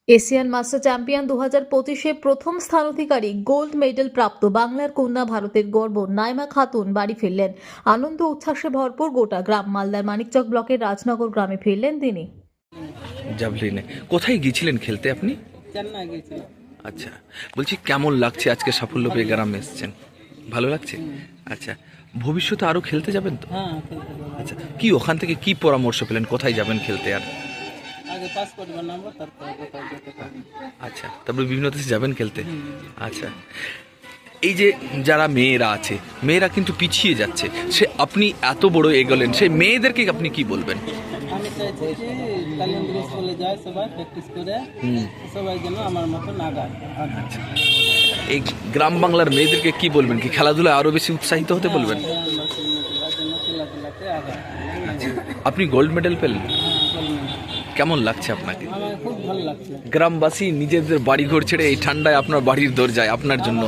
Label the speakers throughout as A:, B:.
A: Asian master champion 2025-এ প্রথম স্থান অধিকারী gold medal প্রাপ্ত বাংলার কন্যা ভারতের গর্ব নাইমা খাতুন বাড়ি ফিরলেন। আনন্দ উচ্ছ্বাসে ভরপুর গোটা গ্রাম। মালদার মানিকচক ব্লকের রাজনগর গ্রামে ফিরলেন তিনি।
B: জাভলিনে কোথায় গিয়েছিলেন খেলতে আপনি?
C: চেন্নাই গেছিলাম।
B: আচ্ছা, বলছি কেমন লাগছে আজকে সাফল্য পেয়ে গ্রামে এসেছেন? ভালো লাগছে? আচ্ছা, ভবিষ্যতে আরো খেলতে যাবেন তো?
C: হ্যাঁ, খেলতে যাবো।
B: আচ্ছা, কি ওখান থেকে কি পরামর্শ পেলেন, কোথায় যাবেন খেলতে? আর
C: আগে পাসপোর্ট বানাবো, তারপরে কোথাও যেতে পারবো।
B: আচ্ছা, তারপরে বিভিন্ন দেশে যাবেন খেলতে। আচ্ছা, এই যে যারা মেয়েরা আছে, মেয়েরা কিন্তু পিছিয়ে যাচ্ছে, সে আপনি এত বড় এগোলেন, সেই মেয়েদেরকে আপনি কি বলবেন?
C: আমি চাইছি যে কালিয়ান্দ্র স্কুলে যায় সবাই প্র্যাকটিস করে, সবাই যেন আমার মতো নাগায়।
B: আচ্ছা, এই গ্রাম বাংলার মেয়েদেরকে কি বলবেন? কি খেলাধুলায় আরো বেশি উৎসাহিত হতে বলবেন?
C: খেলাধুলাতে আগায়।
B: আচ্ছা, আপনি গোল্ড মেডেল পেলেন,
C: হ্যাঁ,
B: কেমন লাগছে আপনাকে?
C: আমার খুব ভালো লাগছে।
B: গ্রামবাসী নিজেদের বাড়ি ঘর ছেড়ে এই ঠান্ডায় আপনার বাড়ির দরজায় আপনার জন্য,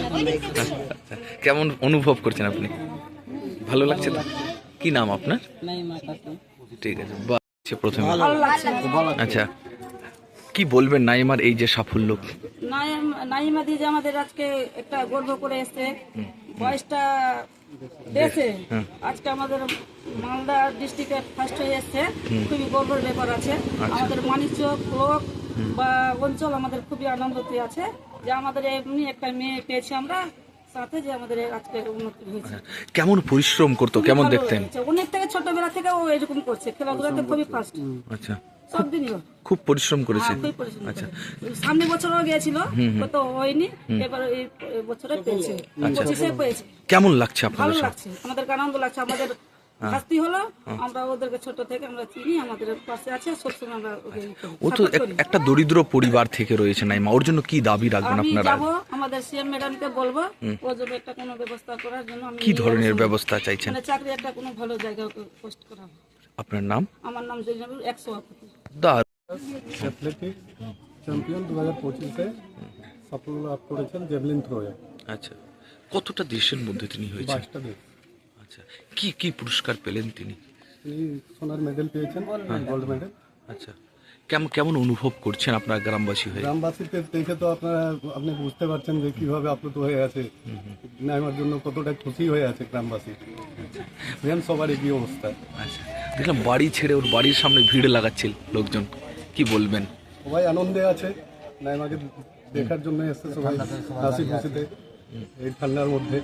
B: কেমন অনুভব করছেন আপনি? ভালো লাগছে তো? কি নাম আপনার?
C: নাইমা খাতুন।
B: ঠিক আছে, প্রথমে আচ্ছা, কি বলবেন নাইমার এই যে সাফল্য?
D: নাইমা দি যে আমাদের আজকে একটা গর্ব করে এসছে, বয়সটা দেশে আজকে আমাদের মালদা ডিস্ট্রিক্টে ফার্স্ট হয়ে এসছে, খুবই গর্বের ব্যাপার আছে। আমাদের মানিকচক ব্লক বা অঞ্চল আমাদের খুবই আনন্দতে আছে যে আমাদের এমনি একটা মেয়ে পেয়েছি আমরা, সাথে যে আমাদের আজকে উন্নতি হয়েছে।
B: কেমন পরিশ্রম করতো, কেমন দেখতেন?
D: অনেক থেকে ছোটবেলা থেকে ও এরকম করছে, খেলাধুলাতে খুবই ফার্স্ট।
B: আচ্ছা,
D: সব দিনই
B: খুব পরিশ্রম করেছে।
D: আচ্ছা, সামনে বছরও গিয়েছিল, তো হয়নি, এবার এই বছরে পেয়েছে, 25-এ পেয়েছে।
B: কেমন লাগছে
D: ভালো
B: আপনাদের?
D: লাগছে, আমাদের আনন্দ লাগছে। আমাদের শাস্তি হলো, আমরা ওদেরকে ছোট থেকে আমরা চিনি, আমাদের পাশে আছে, সবসময় আমরা
B: ও তো একটা দরিদ্র পরিবার থেকে রয়েছে নাইমা, ওর জন্য কি দাবি রাখবেন
D: আমি
B: আপনারা?
D: যাবো আমাদের সিএম ম্যাডামকে বলবো ওর জন্য একটা কোনো ব্যবস্থা করার জন্য। আমি
B: কি ধরনের ব্যবস্থা চাইছেন?
D: মানে চাকরি একটা কোনো ভালো জায়গায় পোস্ট করা।
B: আপনার নাম?
D: আমার নাম জৈনাবুল, 100
E: অ্যাথলেটিক চ্যাম্পিয়ন 2025-এ সাফল্য লাভ করেছেন জেভলিন থ্রোয়ে।
B: আচ্ছা, কতটা দেশের মধ্যে তিনি হয়েছেন?
E: 22টা দেশ।
B: আচ্ছা, কি কি পুরস্কার পেলেন তিনি?
E: তিনি সোনার মেডেল পেয়েছেন, গোল্ড মেডেল।
B: আচ্ছা, কেমন কেমন অনুভব করছেন আপনার গ্রামবাসী হয়ে?
E: গ্রামবাসীকে দেখে তো আপনি বুঝতে পারছেন যে কিভাবে আপ্লুত হয়ে আছে, নাইমার জন্য কতটা খুশি হয়ে আছে গ্রামবাসী। সেম সবার একই অবস্থা।
B: আচ্ছা, দেখলাম বাড়ি ছেড়ে ওর বাড়ির সামনে ভিড় লাগাচ্ছিল লোকজন, কি বলবেন?
E: সবাই আনন্দে আছে, নাইমাকে দেখার জন্য এসছে সবাই হাসি খুশিতে এই ঠান্ডার মধ্যে।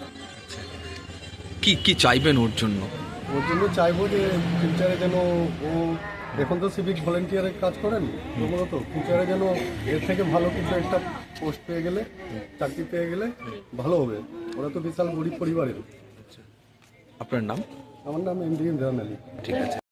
B: কি কি চাইবেন ওর জন্য?
E: ওর জন্য চাইবো যে ফিউচারে যেন ও, এখন তো সিভিক ভলেন্টিয়ারের কাজ করেন প্রথমত, ফিউচারে যেন এর থেকে ভালো কিছু একটা পোস্ট পেয়ে গেলে, চাকরি পেয়ে গেলে ভালো হবে। ওরা তো বিশাল গরিব পরিবারের।
B: আপনার নাম?
E: আমার নাম এমডি ইমরান আলী।
B: ঠিক আছে।